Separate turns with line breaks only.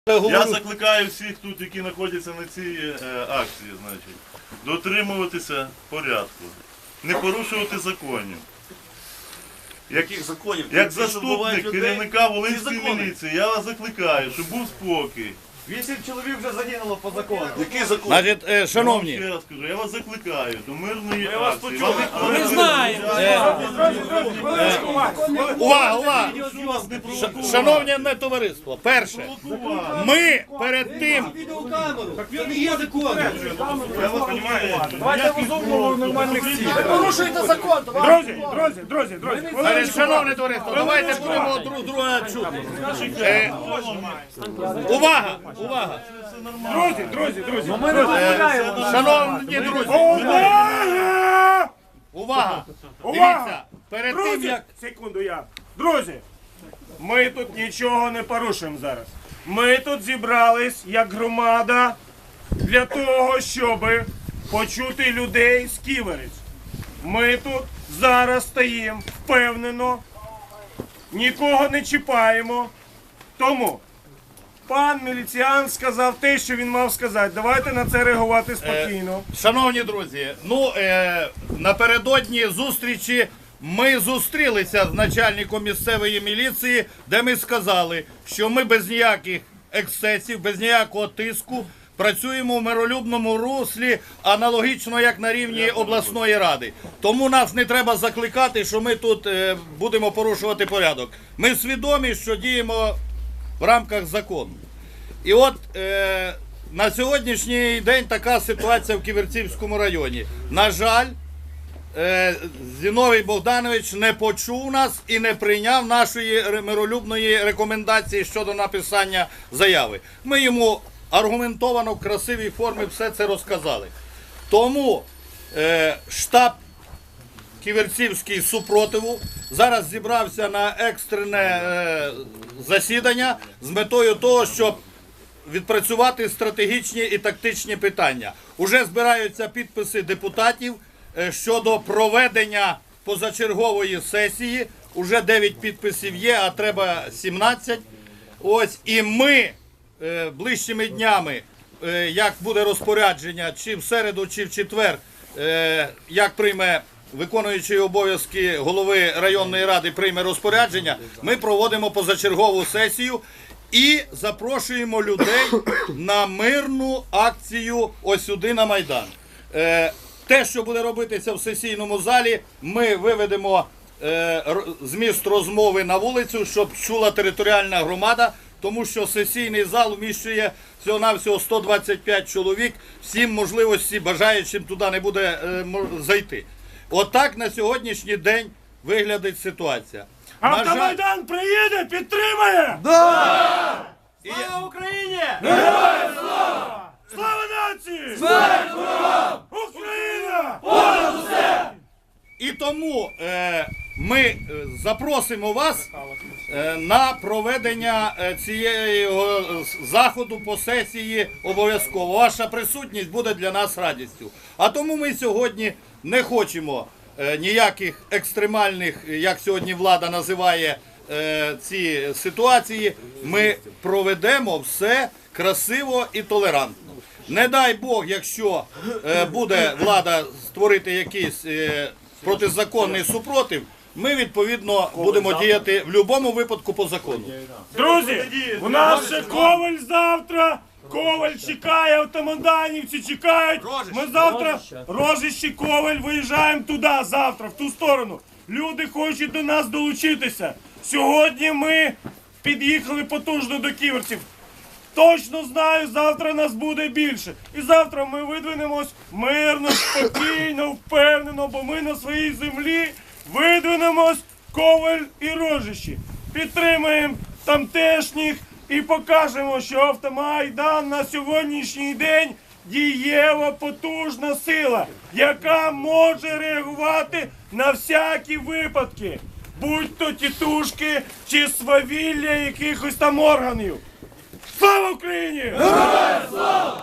Я закликаю всіх тут, які знаходяться на цій акції, значить, дотримуватися порядку, не порушувати законів.
Яких законів?
Як заступник керівника Волинської міліції, я вас закликаю, щоб був спокій.
8 чоловік вже загинуло по закону.
Який закон?
Значить, шановні,
Ще раз кажу, я вас закликаю до мирної
вас
акції.
почули.
Ми
знаємо. Увага! Шановне не товариство, перше, ми перед тим,
Я вас розумію.
Давайте розумно нормальних цілей.
Порушуєте закон,
Друзі.
шановне товариство, давайте будемо друг друга чути. Увага!
Друзі.
Шановні друзі, увага! Дивіться, перед тим як...
Секунду, Друзі, ми тут нічого не порушуємо зараз. Ми тут зібрались як громада для того, щоб почути людей з Ківерець. Ми тут зараз стоїмо впевнено, нікого не чіпаємо. Тому пан міліціян сказав те, що він мав сказати. Давайте на це реагувати спокійно.
Шановні друзі, напередодні зустрічі ми зустрілися з начальником місцевої міліції, де ми сказали, що ми без ніяких ексцесів, без ніякого тиску працюємо в миролюбному руслі, аналогічно як на рівні обласної ради. Тому нас не треба закликати, що ми тут будемо порушувати порядок. Ми свідомі, що діємо в рамках закону. І от на сьогоднішній день така ситуація в Ківерцівському районі. На жаль, Зіновій Богданович не почув нас і не прийняв нашої миролюбної рекомендації щодо написання заяви. Ми йому аргументовано в красивій формі все це розказали. Тому штаб Ківерцівський супротиву зараз зібрався на екстрене засідання з метою того, щоб відпрацювати стратегічні і тактичні питання. Уже збираються підписи депутатів щодо проведення позачергової сесії. Уже 9 підписів є, а треба 17. Ось, і ми ближчими днями, як буде розпорядження, чи в середу, чи в четвер, як прийме виконуючий обов'язки голови районної ради, прийме розпорядження, ми проводимо позачергову сесію і запрошуємо людей на мирну акцію ось сюди на Майдан. Те, що буде робитися в сесійному залі, ми виведемо зміст розмови на вулицю, щоб чула територіальна громада, тому що сесійний зал вміщує всього-навсього 125 чоловік, всім можливості бажаючим туди не буде зайти. Отак на сьогоднішній день виглядить ситуація.
Автомайдан приїде, підтримає!
Слава Україні!
Героям слава! Слава нації! Смерть ворогам! Україна! Понад усе!
І тому ми запросимо вас на проведення цієї заходу по сесії обов'язково. Ваша присутність буде для нас радістю. А тому ми сьогодні не хочемо ніяких екстремальних, як сьогодні влада називає ці ситуації. Ми проведемо все красиво і толерантно. Не дай Бог, якщо буде влада створити якийсь протизаконний супротив, ми, відповідно, будемо діяти в будь-якому випадку по закону.
Друзі, у нас ще Коваль завтра. Коваль чекає, автомайданівці чекають. Ми завтра, Рожище, Коваль, виїжджаємо туди, завтра, в ту сторону. Люди хочуть до нас долучитися. Сьогодні ми під'їхали потужно до ківерців. Точно знаю, завтра нас буде більше. І завтра ми видвинемось мирно, спокійно, впевнено, бо ми на своїй землі видвинемось Коваль і Рожище. Підтримаємо тамтешніх і покажемо, що Автомайдан на сьогоднішній день дієва потужна сила, яка може реагувати на всякі випадки, будь-то тітушки чи свавілля якихось там органів. Слава Україні! Героям слава!